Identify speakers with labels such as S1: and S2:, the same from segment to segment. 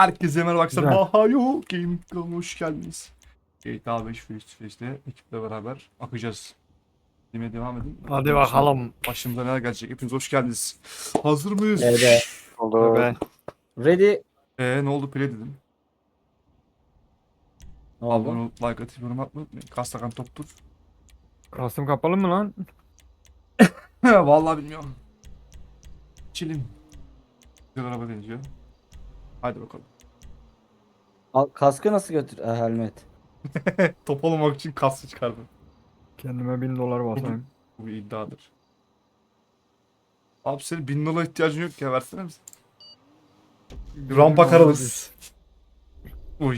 S1: Herkese merhaba arkadaşlar.
S2: Güzel.
S1: Bahayo Game kanalına hoş geldiniz. GTA 5 Face to Face'te ekiple beraber akacağız. Demeye devam edin.
S2: Hadi bakalım.
S1: Başımıza neler gelecek? Hepiniz hoş geldiniz. Hazır mıyız?
S3: Evet.
S4: Olur.
S2: Be.
S3: Ready.
S1: Ne oldu play dedim.
S3: Ne
S1: Abone
S3: oldu?
S1: olup like atıp yorum atmayı unutmayın. Kastakan toptur.
S2: Kastım kapalı mı lan?
S1: Vallahi bilmiyorum. Çilim. Güzel araba deneyeceğim. Hadi bakalım.
S3: Kaskı nasıl götür? Helmet.
S1: Top olmamak için kastı çıkardım.
S2: Kendime $1000 basayım.
S1: Bu bir iddiadır. Abi senin $1000 ihtiyacın yok ya, versene misin? Rampa karalız. Uy.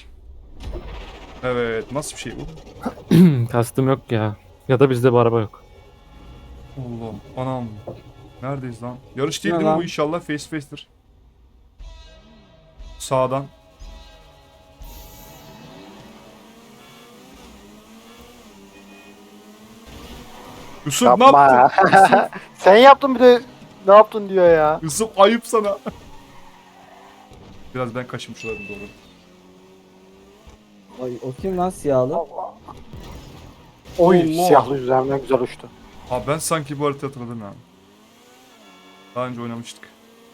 S1: Evet, nasıl bir şey bu?
S4: Kastım yok ya. Ya da bizde bu araba yok.
S1: Oğlum, anam. Neredeyiz lan? Yarış değil
S3: Ne
S1: değil mi
S3: lan?
S1: bu, inşallah face to face'tir. Sağdan. Yusuf ne
S4: Yapma
S1: yaptın?
S4: ya. Sen yaptın bir de ne yaptın diyor ya.
S1: Yusuf ayıp sana. Biraz ben kaçmış olabilirim, doğru.
S3: Ay, o kim lan siyahlı?
S4: Oy
S1: Allah.
S4: siyahlı üzerinden güzel uçtu.
S1: Abi ben sanki bu haritayı hatırladım ya. Daha önce oynamıştık.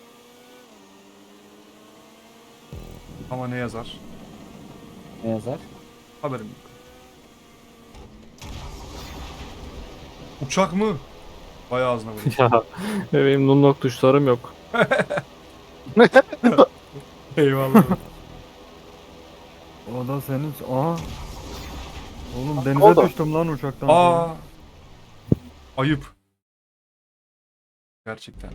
S1: Ama ne yazar?
S3: Ne yazar?
S1: Haberim yok. Uçak mı? Bayağı ağzına vurdu.
S4: Ya benim nunlock tuşlarım yok.
S1: Eyvallah.
S2: O da senin... Aha. Oğlum
S4: O
S2: denize
S4: da.
S2: düştüm lan uçaktan.
S1: Aa. Ayıp. Gerçekten.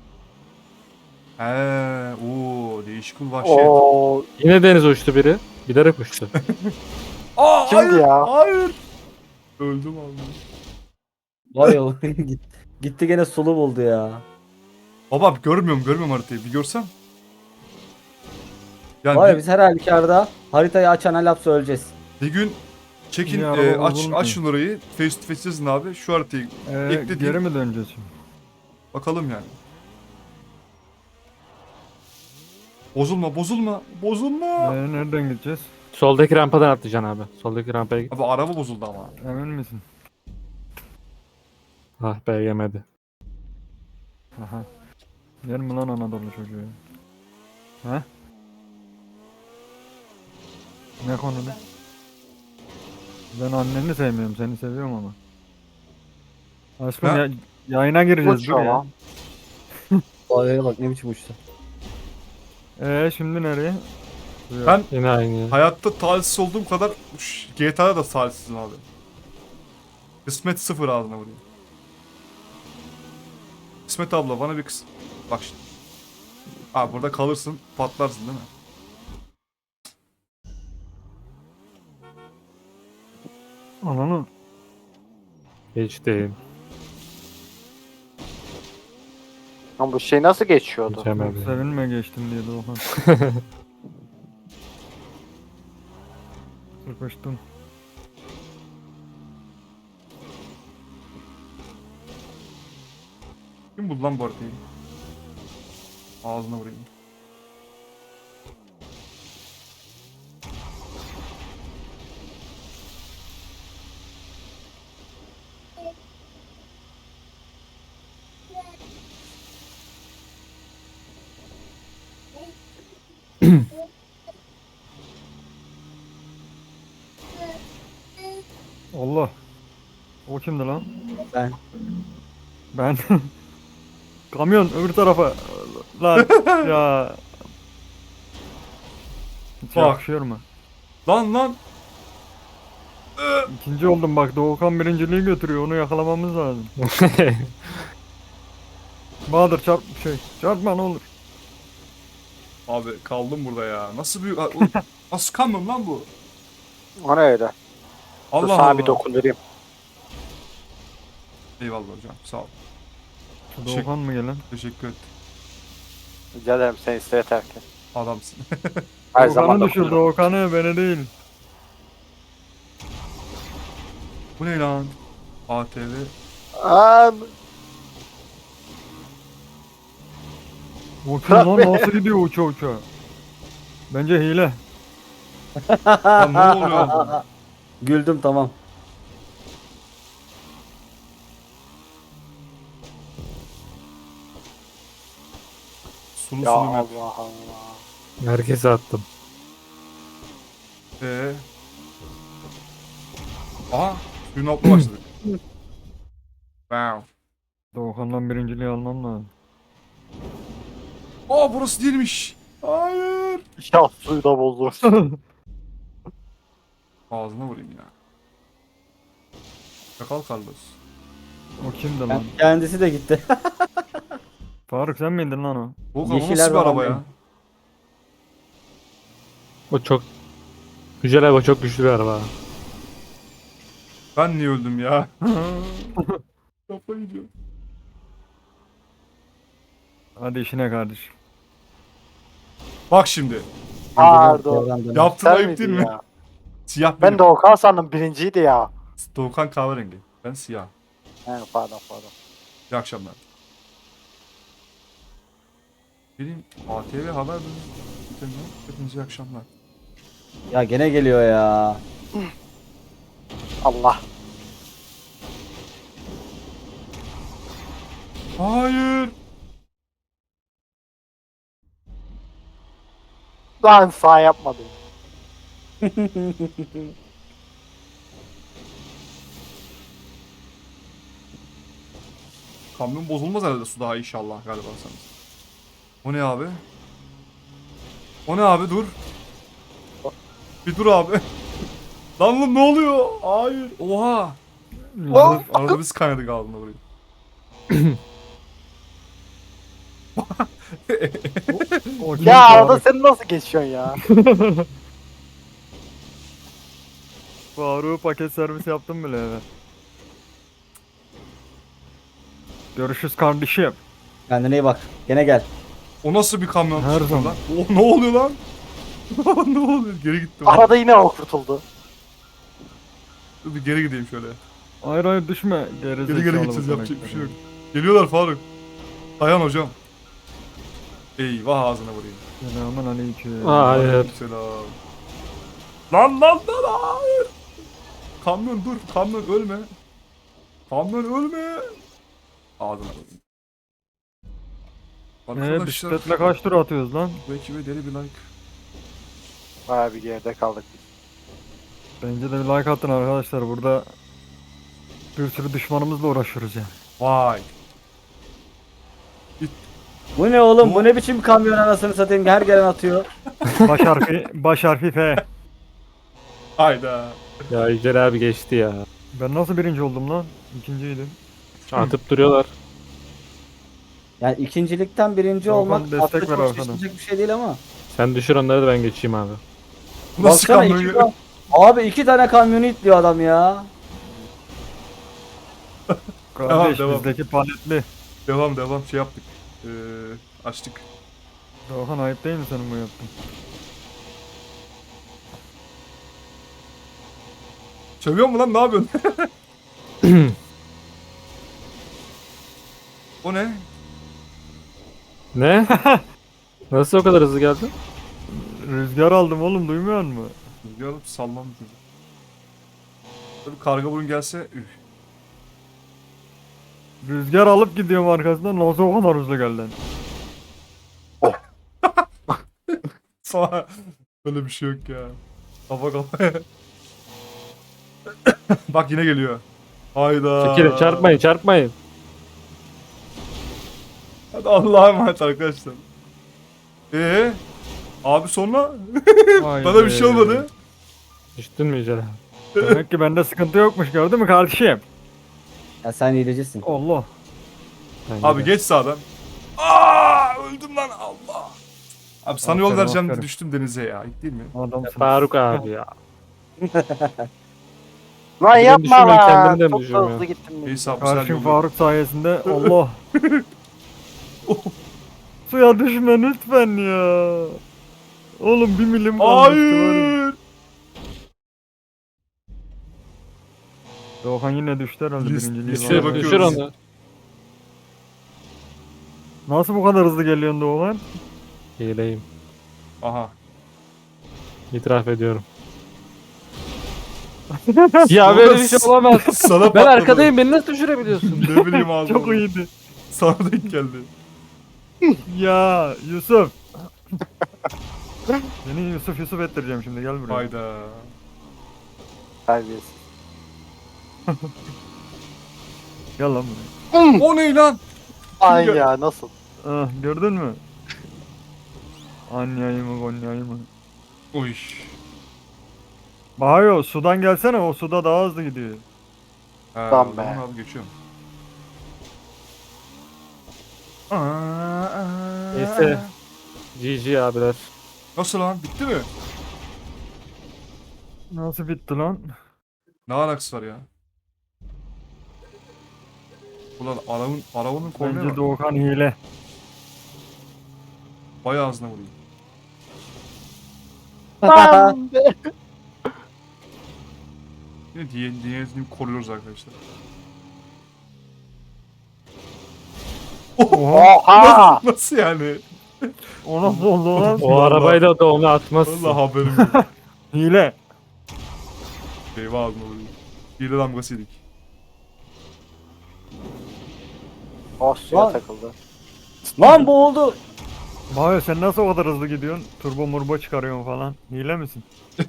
S1: Değişik bir vahşet.
S4: Oo, yine denize uçtu biri. Bilerek uçtu.
S1: Aa,
S4: Kimdi
S1: hayır,
S4: ya?
S1: hayır. Öldüm abi.
S3: Vay o gitti gene sulu buldu ya.
S1: Baba görmüyorum haritayı. Bir görsem. Yani
S3: Var ya biz her halükarda haritayı açan lapsa öleceğiz.
S1: bir gün çekin,
S2: Bir araba
S1: aç
S2: bozulmuyor.
S1: şunu orayı. Face to face yazın abi. Şu haritayı ekle
S2: Geri
S1: diyeyim.
S2: mi döneceğiz şimdi?
S1: Bakalım yani. Bozulma.
S2: Nereden gideceğiz?
S4: Soldaki rampadan atlayacaksın abi. Soldaki rampaya git.
S1: Abi araba bozuldu ama.
S2: Emin misin?
S4: Ah be yemedi.
S2: Aha. Yer mi lan Anadolu çocuğu? He? Ne konuda? Ben anneni sevmiyorum, seni seviyorum ama. Aşkım
S1: Ha?
S2: yayına gireceğiz
S4: Uç
S2: dur ya.
S4: ama.
S3: Vay bak ne biçim uçtu.
S2: Şimdi nereye? Buraya.
S1: Ben
S4: Yine aynı.
S1: hayatta talihsiz olduğum kadar GTA'da da talihsizim abi. Kısmet sıfır ağzına vuruyor. Kısmet abla bana bir Bak şimdi. Abi burada kalırsın, patlarsın değil mi?
S2: Ananı.
S4: Geçtim. Ama bu şey nasıl geçiyordu?
S2: Çok
S4: Geçemedi.
S2: sevinme geçtim diye Doğan. Sıkıştım.
S1: Kim buldu lan bu haritayı? Ağzına vurayım.
S2: Allah. O kimdi lan?
S3: Ben.
S2: Ben. Kamyon öbür tarafa. Lan ya. Hiç
S1: Bak.
S2: yakışıyor mu?
S1: Lan.
S2: İkinci oldum bak, Doğukan birinciliği götürüyor, onu yakalamamız lazım. Bahadır çarpma ne olur.
S1: Abi kaldım burada ya. Nasıl bir... Nasıl kamyon lan bu?
S4: O ne öyle? Dur
S1: Allah
S4: sana
S1: Allah.
S4: bir dokundurayım.
S1: Eyvallah hocam, sağ ol.
S2: Şu Doğukan mı gelen?
S1: Teşekkür et.
S4: Rica ederim sen iste yeter ki.
S1: Adamsın.
S4: Her zaman
S2: Doğukan'ı düşür,
S4: dokundururum.
S2: Doğukan'ı, beni değil.
S1: Bu ne lan? ATV.
S4: An.
S2: O kim lan, nasıl gidiyor uça uça? Bence hile.
S1: Lan ne oluyor?
S3: Güldüm tamam.
S1: Sulu
S5: Ya
S1: sulu map.
S5: Allah Allah.
S4: Herkese attım.
S1: Aha. Suyun altına başladık. Wow.
S2: Doğukan'dan birinciliği almam lazım.
S1: Aa burası değilmiş. Hayır.
S5: Ya suyu da bozdu.
S1: Ağzına vurayım ya. Çakal Carlos.
S2: O kimdi lan?
S3: Kendisi de gitti.
S2: Faruk sen miydin lan o?
S1: Volkan o
S3: Yeşiller
S1: nasıl bir
S3: var
S1: araba
S3: abi.
S1: ya?
S4: O çok güzel araba, çok güçlü bir araba.
S1: Ben niye öldüm ya? Kafayı yiyor.
S2: Hadi işine kardeşim.
S1: Bak şimdi.
S5: Pardon.
S1: Yaptığın
S5: Sen
S1: ayıp değil
S5: miydin
S1: mi?
S5: ya?
S1: Siyah benim.
S5: Ben de Okan sandım birinciydi ya.
S1: Doğukan kahverengi. Ben siyah.
S5: He pardon.
S1: İyi akşamlar. Benim ATV haber bülteni. Hepinize iyi akşamlar.
S3: Ya gene geliyor ya.
S5: Allah.
S1: Hayır.
S5: Lan sağ yapmadım.
S1: Kamyon bozulmaz herhalde su daha inşallah galiba sanırım. O ne abi? O ne abi dur. Bir dur abi. Lan oğlum ne oluyor? Hayır. Oha. Arada biz kaynadık ağzına burayı.
S2: O kim
S5: Ya arada
S2: Faruk?
S5: sen nasıl geçiyorsun ya?
S2: Faruk'u paket servis yaptım bile eve. Görüşürüz kardeşim.
S3: Kendine iyi bak. Gene gel.
S1: O nasıl bir kamyon?
S2: Her
S1: tuttu
S2: zaman.
S1: lan? Oh, ne oluyor lan? Ne oluyor? Geri gittim.
S5: Arada yine o kurtuldu.
S1: Dur bir geri gideyim şöyle.
S2: Hayır hayır düşme. Geri
S1: Geri
S2: zekalı
S1: gideceğiz
S2: bu
S1: yapacak bir şey yok.
S2: karakter.
S1: Geliyorlar Faruk. Dayan hocam. Eyvah ağzına vurayım.
S2: Selamun aleyküm.
S4: Hayır.
S1: Selam. Lan hayır. Kamyon dur. Kamyon ölme. Kamyon ölme. Ağzına vurayım.
S2: Bisikletle kaç tur atıyoruz lan?
S1: Bu ekibe deli bir like.
S5: Baya bir geride kaldık biz.
S2: Bence de bir like atın arkadaşlar. Burada bir sürü düşmanımızla uğraşıyoruz yani.
S1: Vay.
S3: Bu ne oğlum? Bu ne biçim kamyon anasını satayım? Her gelen atıyor.
S2: Baş harfi F.
S1: Hayda.
S4: Ya Yücel abi geçti ya.
S2: Ben nasıl birinci oldum lan? İkinciydim.
S4: Atıp duruyorlar.
S3: Yani ikincilikten birinci
S2: Volkan
S3: olmak
S2: destek
S3: aslında
S2: ver
S3: çok
S2: arkadan.
S3: şaşılacak bir şey değil ama.
S4: Sen düşür onları da ben geçeyim abi.
S1: Nasıl
S3: Baksana
S1: kamyon?
S3: Abi 2 tane kamyonu itliyor adam ya.
S2: Kardeş
S1: devam.
S2: bizdeki paletli.
S1: Devam şey yaptık. Açtık.
S2: Doğan ayıp değil mi senin bu yaptığın?
S1: Sövüyor mu lan ne yapıyorsun? O ne?
S4: Ne? Nasıl o kadar hızlı geldin?
S2: Rüzgar aldım oğlum duymuyor musun?
S1: Rüzgar alıp sallandı. Tabii karga burun gelse üf.
S2: Rüzgar alıp gidiyorum arkasından nasıl o kadar hızlı geldin?
S1: Sana böyle bir şey yok ya. Kafa kafaya. Bak yine geliyor. Hayda.
S4: Çekilin, çarpmayın.
S1: Hadi Allah'a emanet arkadaşlar. Abi sonra bana bir şey olmadı.
S4: Düştün mü Yücel abi?
S2: Demek ki bende sıkıntı yokmuş gördün mü kardeşim?
S3: Ya sen hilecisin.
S2: Allah.
S4: Bence
S1: Abi
S4: de.
S1: geç sağdan. Aa öldüm lan Allah. Abi sana yol
S2: Aferin,
S1: vereceğim
S2: aferin.
S1: düştüm denize ya. Ayıp değil mi?
S2: Adamsın.
S4: Faruk abi ya.
S5: Lan
S4: Birini
S5: yapma
S4: düşürme,
S5: lan.
S4: kendini de mi
S5: Çok da
S4: düşürmüyor?
S5: hızlı gittim. ben.
S1: Neyse abi sen
S2: Karşım
S1: yol
S2: Faruk sayesinde Allah. Suya düşme lütfen ya. Oğlum 1 milim kalmıştı var ya.
S1: Hayır.
S2: Doğan yine düştü herhalde birinciliği
S1: listeye
S2: var.
S1: bakıyorum.
S4: Düşür onu.
S2: Nasıl bu kadar hızlı geliyorsun Doğan?
S4: Hileyim.
S1: Aha.
S4: İtiraf ediyorum. Ya böyle bir şey olamaz.
S1: Sana
S4: Ben
S1: patladı.
S4: arkadayım, beni nasıl düşürebiliyorsun?
S1: Ne bileyim abi.
S2: Çok iyiydi.
S1: Sana denk geldi.
S2: Ya Yusuf. Seni Yusuf ettireceğim şimdi, gel buraya.
S1: Hayda.
S5: Terbiyesiz.
S2: Gel lan buraya.
S1: O ne lan?
S5: Ay
S1: gel-
S5: ya nasıl?
S2: Ah, gördün mü? Anyayı mı Konya'yı mı?
S1: Uy.
S2: Bahayo sudan gelsene, o suda daha hızlı gidiyor.
S1: Ha,
S5: Tamam
S1: o zaman
S5: be.
S1: abi geçiyorum.
S4: Neyse. GG abiler.
S1: Nasıl lan? Bitti mi?
S2: Nasıl bitti lan?
S1: Ne alakası var ya? Ulan arabanın kornaya
S2: Bence
S1: bak.
S2: Doğukan hile.
S1: Bayağı ağzına vuruyor.
S5: Lan be.
S1: Yine diğerini koruyoruz arkadaşlar.
S2: Oha.
S5: Oha!
S1: Nasıl yani?
S2: O nasıl oldu lan?
S4: O arabayla da onu atmazsın.
S1: Vallahi haberim yok.
S2: Hile.
S1: Eyvah ağzına vuruyor. Hile damgası yedik.
S5: Oh suya
S3: Lan.
S5: takıldı.
S3: Lan bu oldu.
S2: Bahayo sen nasıl o kadar hızlı gidiyorsun? Turbo murbo çıkarıyorsun falan. Hile misin?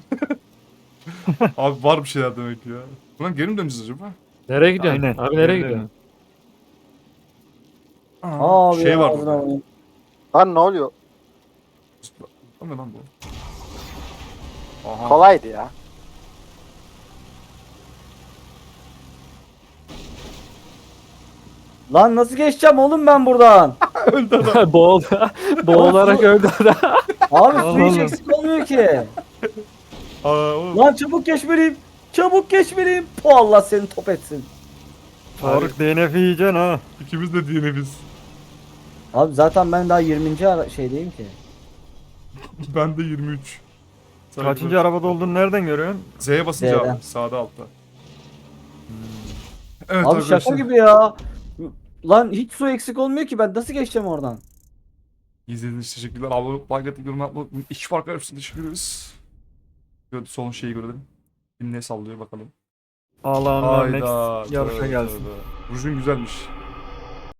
S1: Abi var bir şeyler demek ki ya. Ulan geri mi döneceğiz acaba?
S4: Nereye gidiyorsun?
S2: Aynen.
S4: Abi nereye
S2: Öyle.
S4: gidiyorsun?
S3: Abi
S1: şey var
S3: ağzına
S1: burada.
S3: vurayım.
S5: Lan ne oluyor?
S1: O ne lan bu? Aha.
S5: Kolaydı ya.
S3: Lan nasıl geçeceğim oğlum ben buradan?
S1: Öldü adam.
S4: Boğularak öldü adam.
S3: Abi su hiç
S2: Oğlum.
S3: eksik olmuyor ki.
S1: Aa, oğlum.
S3: Lan çabuk geçmeliyim. Çabuk geçmeliyim. Po Allah seni top etsin.
S2: Faruk DNF yiyeceksin ha.
S1: İkimiz de DNF'iz.
S3: Abi zaten ben daha 20. Şeydeyim ki.
S1: Ben de 23.
S2: Kaçıncı arabada olduğunu nereden görüyorsun?
S1: Z'ye basınca
S3: Z'den.
S1: abi. Sağda altta. Evet
S3: Abi şaka
S1: arkadaşlar.
S3: gibi ya. Lan hiç su eksik olmuyor ki, ben nasıl geçeceğim oradan?
S1: İzlediğiniz için teşekkürler. Abone olup like atıp yorum yapmayı unutmayın. İki farklı hepsini teşekkür ederiz. Son şeyi görelim. Kim ne sallıyor bakalım.
S2: Allah'ın
S1: Hayda.
S2: next yarışa
S1: tövbe,
S2: gelsin.
S1: tövbe. Rujun güzelmiş.